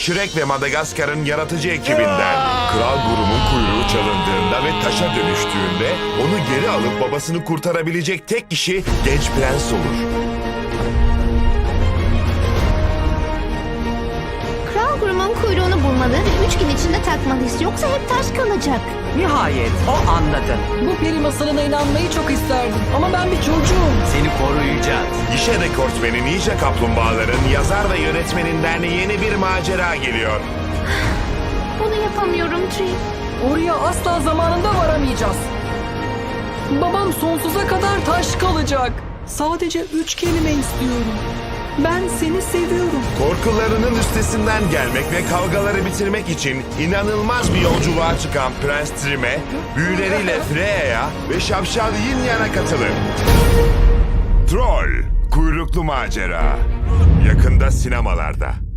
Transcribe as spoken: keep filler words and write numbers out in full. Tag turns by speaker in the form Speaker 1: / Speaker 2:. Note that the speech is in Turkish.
Speaker 1: Shrek ve Madagaskar'ın yaratıcı ekibinden. Kral Grum'un kuyruğu çalındığında ve taşa dönüştüğünde onu geri alıp babasını kurtarabilecek tek kişi genç prens olur.
Speaker 2: Kral Grum'un kuyruğunu bulmalı ve üç gün içinde takmalıyız. Yoksa hep taş kalacak.
Speaker 3: Nihayet o anladı.
Speaker 4: Bu peri masalına inanmayı çok isterdim ama ben bir çocuğum.
Speaker 3: Seni koruyacağız.
Speaker 1: Gişe rekortmeni Ninja Kaplumbağaların yazar ve yönetmeninden yeni bir macera geliyor.
Speaker 2: Bunu yapamıyorum Tree.
Speaker 4: Oraya asla zamanında varamayacağız. Babam sonsuza kadar taş kalacak. Sadece üç kelime istiyorum. Ben seni seviyorum.
Speaker 1: Korkularının üstesinden gelmek ve kavgaları bitirmek için inanılmaz bir yolculuğa çıkan Prens Trim'e, büyüleriyle Freya'ya ve Şapşal Yin Yan'a katılın. Troll, kuyruklu macera. Yakında sinemalarda.